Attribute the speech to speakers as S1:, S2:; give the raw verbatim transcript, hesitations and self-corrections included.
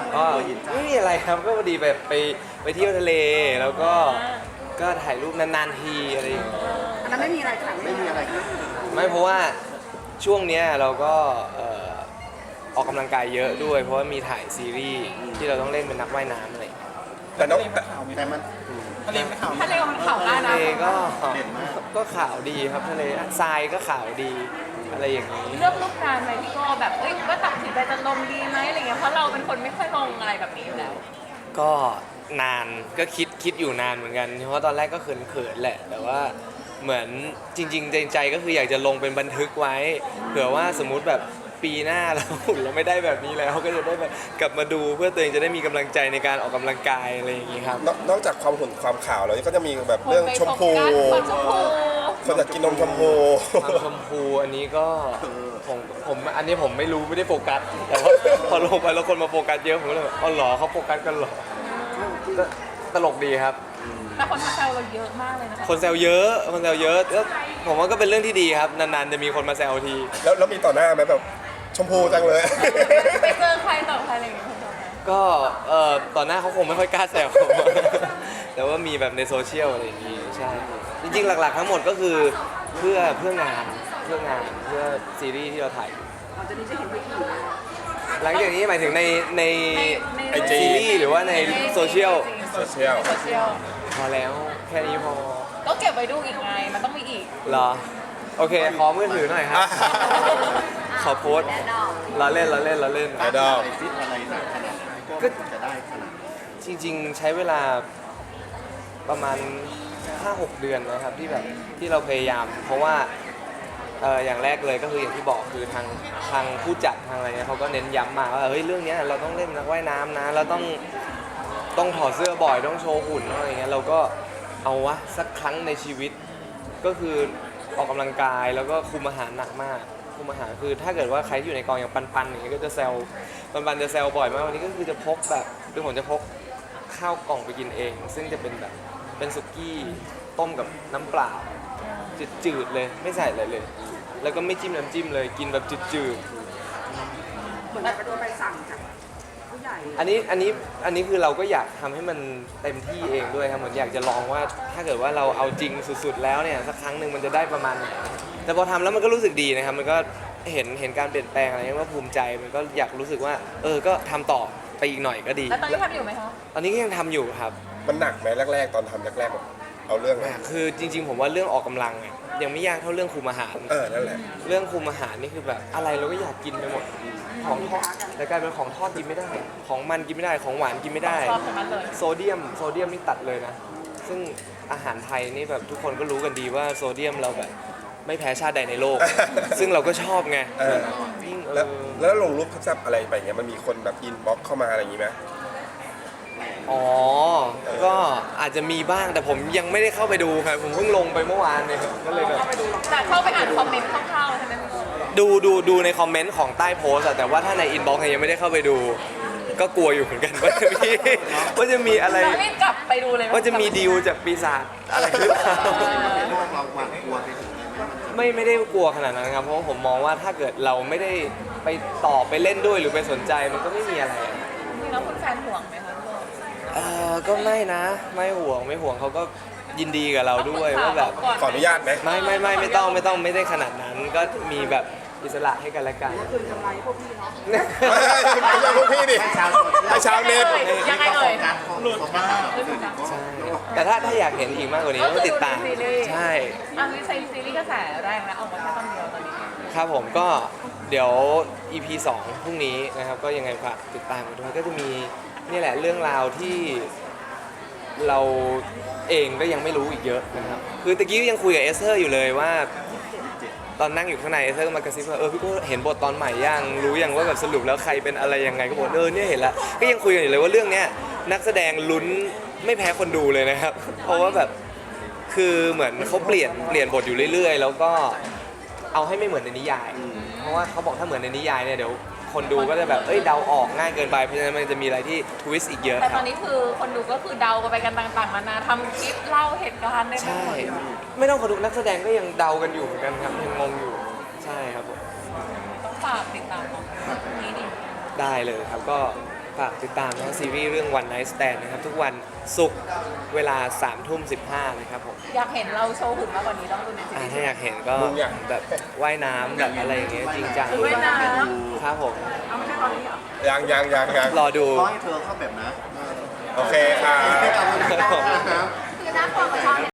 S1: ก็ไม่มีอะไรครับก็พอดีแบบไปไปเที่ยวทะเลแล้วก็ก็ถ่ายรูปนานๆทีอะไรอย่างเงี้ย
S2: อันนั้นไม่มีอะไรค่ะไม่มีอะไร
S1: ไม่เพราะว่าช่วงเนี้ยเราก็เอ่อออกกำลังกายเยอะด้วย เพราะว่ามีถ่ายซีรีส์ที่เราต้องเล่นเป็นนักว่ายน้ำอะไรอย่างเงี้ย
S3: แต่น้องแต่มัน
S4: ทะเลไม่ขาว
S2: ทะเลมันขาวได้
S1: ทะ
S2: นะ
S1: เลก็ก็ขาวดีครับทะเลทรายก็ขาวดีอะไรอย่างนี้
S2: เลือกรูปนานไหมพี่โก้แบบเอ้ยว่าตัดสินใจจะลงดีไหมอะไรเงี้ยเพราะเราเป็นคนไม่ค่อยลงอะไรแบบนี้อยู่แล้ว
S1: ก็นานก็คิดคิดอยู่นานเหมือนกันเพราะตอนแรกก็เขินๆแหละ แต่ว่าเหมือนจริงๆใจใจก็คืออยากจะลงเป็นบันทึกไว้เผื่อว่าสมมุติแบบปีหน้าเราหุ่นเราไม่ได้แบบนี้แล้วก็จะได้แบบกลับมาดูเพื่อตัวเองจะได้มีกำลังใจในการออกกำลังกายอะไรอย่างนี้ครับ
S3: นอกนอกจากความหุ่นความขาวแล้วก็จะมีแบบเรื่องชมพู
S2: คนชมพู
S3: คนอยากกินนมชมพู
S1: ความชมพูอันนี้ก็ผมผมอันนี้ผมไม่รู้ไม่ได้โฟกัสแต่ว่าพอลงไปแล้วคนมาโฟกัสเยอะผมก็เลยแบบอ๋อเหรอเขาโฟกัสกันเหรอก็ตลกดีครับ
S2: แต่คนมาแซวเราเยอะมากเลยนะคะ
S1: คนแซวเยอะคนแซวเยอะก็ผมว่าก็เป็นเรื่องที่ดีครับนานๆจะมีคนมาแซวที
S3: แล้วแล้วมีต่อหน้าไหมแบบชมพูจังเลย
S2: ไปเจอใครต่อใครอะไรอย่างเงี้ย
S1: ก็เอ่อตอนหน้าเขาคงไม่ค่อยกล้าแซว แต่ว่ามีแบบในโซเชียลอะไรอย่างงี้ใช่จริงๆหลักๆทั้งหมดก็คือเพื่อเพื่องานเพื่องานเพื่อซีรีส์ที่เราถ่ายอยู่
S2: หลังจากนี้จะเห็นไปกี่
S1: หลังจากนี้หมายถึงในใน
S3: ไอจี
S1: ซีรีส์หรือว่าในโซเชียล
S3: โซเชียล
S2: โซเชียล
S1: พอแล้วแค่นี้พอ
S2: ก็เก็บไว้ดูอีกไงมันต้องมีอีก
S1: เหรอโอเคขอมือถือหน่อยครับ ขอโพสต์เราเล่นเราเล่นเราเล่น
S3: ไอดอล
S1: ก็จริงๆใช้เวลาประมาณ ห้าหก เดือนนะครับที่แบบที่เราพยายาม เพราะว่าเอ่ออย่างแรกเลยก็คืออย่างที่บอกคือทางทางผู้จัดทางอะไรเนี่ยเขาก็เน้นย้ำมาว่าเฮ้ยเรื่องเนี้ยเราต้องเล่นนักว่ายน้ำนะเราต้องต้องถอดเสื้อบ่อยต้องโชว์หุ่นอะไรเงี้ยเราก็เอาวะสักครั้งในชีวิตก็คือออกกำลังกายแล้วก็คุมอาหารหนักมากคุมอาหารคือถ้าเกิดว่าใครที่อยู่ในกองอย่างปันๆอย่างเงี้ยก็จะแซวปันๆจะแซวบ่อยมากวันนี้ก็คือจะพกแบบคือผมจะพกข้าวกล่องไปกินเอง ซึ่งจะเป็นแบบเป็นสุกี้ต้มกับน้ำเปล่าจืดๆเลยไม่ใส่อะไรเลย แล้วก็ไม่จิ้มน้ำจิ้มเลยกินแบบจืด
S2: เหมือนแบบโดนใบสั่งจากผู้ใหญ่
S1: ๆอันนี้อันนี้อันนี้คือเราก็อยากทำให้มันเต็มที่เองด้วยครับเหมือนอยากจะลองว่าถ้าเกิดว่าเราเอาจริงสุดๆแล้วเนี่ยสักครั้งหนึ่งมันจะได้ประมาณไหนแต่พอทำแล้วมันก็รู้สึกดีนะครับมันก็เห็นเห็นการเปลี่ยนแปลงอะไรเงี้ยว่าภูมิใจมันก็อยากรู้สึกว่าเออก็ทำต่อไปอีกหน่อยก็ดี
S2: แล้วตอนนี้ทำอยู่ไหมคะ
S1: ตอนนี้ก็ยังทำอยู่ครับ
S3: มันหนักไหมแรกๆ ตอนทำแรกๆแบบเอาเรื่อง
S1: อ่ะคือจริง ๆ ผมว่าเรื่องออกกำลังอ่ะยังไม่ยากเท่าเรื่องคุมอาหาร
S3: เออนั่นแหละ
S1: เรื่องคุมอาหารนี่คือแบบอะไรเราก็อยากกินไปหมดของทอดแต่กลายเป็นของทอดกินไม่ได้ ของมันกินไม่ได้ของหวานกินไม่ได้
S2: ชอบของมันเลย
S1: โซเดียมโซเดียมนี่ตัดเลยนะ ซึ่งอาหารไทยนี่แบบทุกคนก็รู้กันดีว่าโซเดียมเราแบบไม่แพ้ชาติใดในโลก ซึ่งเราก็ชอบไง
S3: เออ
S1: ยิ่งเอ
S3: แล้ว
S1: อ
S3: แล้วลงรูปแซ่บๆอะไรไปเงี้ยมันมีคนแบบอินบ็อกเข้ามาอะไรอย่างงี้ไหม
S1: อ๋อ ก็อาจจะมีบ้างแต่ผมยังไม่ได้เข้าไปดูครับผมเพิ่งลงไปเมื่อวานเนี่ยก็เลยแบบ
S2: แต่เข้าไปอ่านคอมเมนต์คร่าวๆใช่ไหมพี่โก้
S1: ดูดูดูในคอมเมนต์ของใต้โพสต์อะแต่ว่าถ้าในอินบ็อกซ์เนี่ยยังไม่ได้เข้าไปดู ก็กลัวอยู่เหมือนกันว่าจะมีว่าจะมีอะไร
S2: เรารีบกลับไปดูเลย
S1: ว่าจะมีดีลจากปีศาจอะไรหรือเปล่าไม่ไม่ได้กลัวขนาดนั้นครับเพราะว่าผมมองว่าถ้าเกิดเราไม่ได้ไปต่อไปเล่นด้วยหรือไปสนใจมันก็ไม่มีอะไรอะ
S2: จริงๆแล้วคุณแฟนห่วงไหมคะพี่โก้
S1: เออก็ไม่นะ ไม่ห่วงไม่ห่วงเขาก็ยินดีกับเราด้วยว่าแบบ
S3: ขออนุญาตไหม
S1: ไม่ไม่ไม่ไม่ต้องไม่ต้องไม่ได้ขนาดนั้น ก็มีแบบอิสระให้กันและกัน
S2: คือทำร้ายพวกพี่เนาะ
S3: ไม่ใช่ไม่ใช่พวกพี่ดิให้ชาวเน็ต
S2: ยังไงเอ่ย
S4: หลุดมาก
S1: ใช่แต่ถ้าถ้าอยากเห็นอีกมากกว่านี้ต้องติดตามใช่
S2: อันนี้ใช้ซีรีส์กระแสแรงแล้วออกมาแค่ตอนเดียวตอนนี้
S1: ครับผมก็เดี๋ยว อี พี สองพรุ่งนี้นะครับก็ยังไงฝากติดตามกันด้วยก็จะมีนี่แหละเรื่องราวที่เราเองก็ยังไม่รู้อีกเยอะนะครับคือตะกี้ยังคุยกับเอสเธอร์อยู่เลยว่า ตอนนั่งอยู่ข้างในเอสเธอร์ก็มากระซิบว่าเออพี่ก็เห็นบทตอนใหม่ยังรู้ยังว่าแบบสรุปแล้วใครเป็นอะไรยังไงก็บอกเออเนี่ยเห็นแล้วก็ยังคุยกันอยู่เลยว่าเรื่องเนี้ยนักแสดงลุ้นไม่แพ้คนดูเลยนะครับ เพราะว่าแบบคือเหมือนเขาเปลี่ยนเปลี่ยนบทอยู่เรื่อยๆ แล้วก็เอาให้ไม่เหมือนในนิยาย เพราะว่าเขาบอกถ้าเหมือนในนิยายเนี่ยเดี๋ยวคนดูก็จะแบบเอ้ยเดาออกง่ายเกินไปเพราะฉะนั้นมันจะมีอะไรที่ทวิสต์อีกเยอะ
S2: แต่
S1: ค
S2: ต
S1: รั
S2: อบ นนี้คือคนดูก็คือเดากันไปกันต่างๆนานาทำคลิปเล่าเหตุการณ์ได้ไม่
S1: ใช่
S2: หมด
S1: ไม่ต้องคนดูนักแสดงก็ยังเดากันอยู่เหมือนกันครับยังงงอยู่ใช่ครับผม
S2: ต้องฝากติดตามของนี้ดิ
S1: ได้เลยครับก็ฝากติดตามนะซีรีส์เรื่อง One Night Stand นะครับ ทุกวันศุกร์เวลาสามทุ่มสิบห้านะครับผม
S2: อยากเห็นเราโชว์หุ่นมากกว่านี้ต้องดูในซี
S1: อ่า
S2: รีส์
S1: ถ้าอยากเห็นก็
S3: มึงอยาก
S1: แบบว่ายน้ำแบบอะไรอย่างเงี้ยจริงจัง
S2: หรือว่ายน้
S1: ครับผม
S2: ำเอาไม่ใช่ตอนนี้เหรอ
S3: ยังยังยังยัง
S1: รอดู
S4: ขอให้เธอเข้าแบบนะ
S3: โอเคค่ะ
S4: ขอบคุณครับ
S2: คือน่ากลัวกว่าชอบ